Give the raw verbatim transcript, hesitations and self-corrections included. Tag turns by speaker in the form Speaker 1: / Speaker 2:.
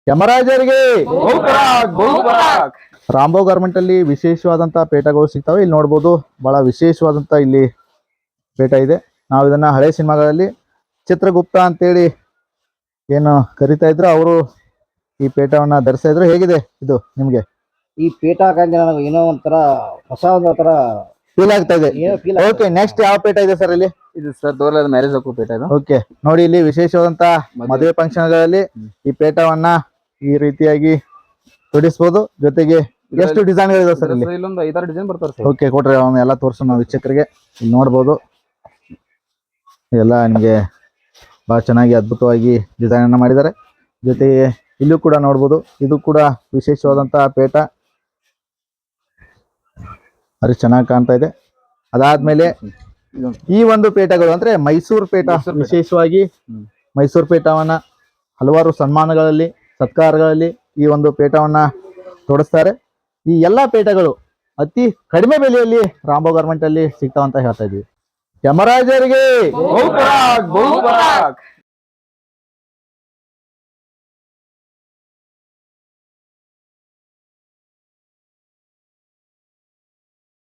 Speaker 1: ಯಮರಾಜರಿಗೆ Rambo garment ಅಲ್ಲಿ ವಿಶೇಷವಾದಂತಹ ಪೇಟಗಳು ಸಿಗ್ತವೆ. ಇಲ್ಲಿ ನೋಡ್ಬೋದು ಬಹಳ ವಿಶೇಷವಾದಂತ ಇಲ್ಲಿ ಪೇಟ ಇದೆ. ನಾವು ಇದನ್ನ ಹಳೆ ಸಿನಿಮಾಗಳಲ್ಲಿ ಚಿತ್ರಗುಪ್ತ ಅಂತೇಳಿ ಏನು ಕರಿತಾ ಇದ್ರು, ಅವರು ಈ ಪೇಟವನ್ನ ಧರಿಸ್ತಾ ಇದ್ರು. ಹೇಗಿದೆ ಇದು ನಿಮ್ಗೆ?
Speaker 2: ಈ ಪೇಟ ಹಾಕಂದ್ರೆ ನನಗೆ ಏನೋ ಒಂಥರ ಹೊಸ ಒಂಥರ
Speaker 1: ಫೀಲ್ ಆಗ್ತಾ ಇದೆ. ಓಕೆ, ನೆಕ್ಸ್ಟ್ ಯಾವ ಪೇಟ ಇದೆ ಸರ್ ಇಲ್ಲಿ?
Speaker 3: ಇದು ಸರ್ ದೋರ್ಲದ ಮ್ಯಾರೇಜ್ ಹಾಕೋ ಪೇಟ ಇದು.
Speaker 1: ಓಕೆ, ನೋಡಿ ಇಲ್ಲಿ ವಿಶೇಷವಾದಂತ ಮದುವೆ ಫಂಕ್ಷನ್ ಗಳಲ್ಲಿ ಈ ಪೇಟವನ್ನ ಈ ರೀತಿಯಾಗಿ ತೊಡಿಸಬಹುದು. ಜೊತೆಗೆ ಎಷ್ಟು ಡಿಸೈನ್ ಗಳಿದಾವೆ ಸರ್ ಇಲ್ಲಿ?
Speaker 3: ಇಲ್ಲೊಂದು ಐದಾರು ಡಿಸೈನ್ ಬರ್ತಾರೆ ಸರ್.
Speaker 1: ಓಕೆ, ಕೊಟ್ರೆ ಅವನ್ನ ಎಲ್ಲ ತೋರಿಸೋಣ ನಾವು ವೀಕ್ಷಕರಿಗೆ. ಇಲ್ಲಿ ನೋಡ್ಬೋದು ಎಲ್ಲ ನಿಮಗೆ ಬಹಳ ಚೆನ್ನಾಗಿ ಅದ್ಭುತವಾಗಿ ಡಿಸೈನ್ ಅನ್ನ ಮಾಡಿದ್ದಾರೆ. ಜೊತೆಗೆ ಇಲ್ಲೂ ಕೂಡ ನೋಡ್ಬೋದು, ಇದು ಕೂಡ ವಿಶೇಷವಾದಂತಹ ಪೇಟ, ಅದು ಚೆನ್ನಾಗಿ ಕಾಣ್ತಾ ಇದೆ. ಅದಾದ್ಮೇಲೆ ಈ ಒಂದು ಪೇಟಗಳು ಅಂದ್ರೆ ಮೈಸೂರು ಪೇಟ, ವಿಶೇಷವಾಗಿ ಮೈಸೂರು ಪೇಟವನ್ನ ಹಲವಾರು ಸನ್ಮಾನಗಳಲ್ಲಿ ಸತ್ಕಾರಗಳಲ್ಲಿ ಈ ಒಂದು ಪೇಟವನ್ನ ತೊಡಸ್ತಾರೆ. ಈ ಎಲ್ಲಾ ಪೇಟಗಳು ಅತಿ ಕಡಿಮೆ ಬೆಲೆಯಲ್ಲಿ ರಾಂಬೋ ಗಾರ್ಮೆಂಟ್ ಅಲ್ಲಿ ಸಿಗ್ತಾವಂತ ಹೇಳ್ತಾ ಇದೀವಿ. ಯಮರಾಜರಿಗೆ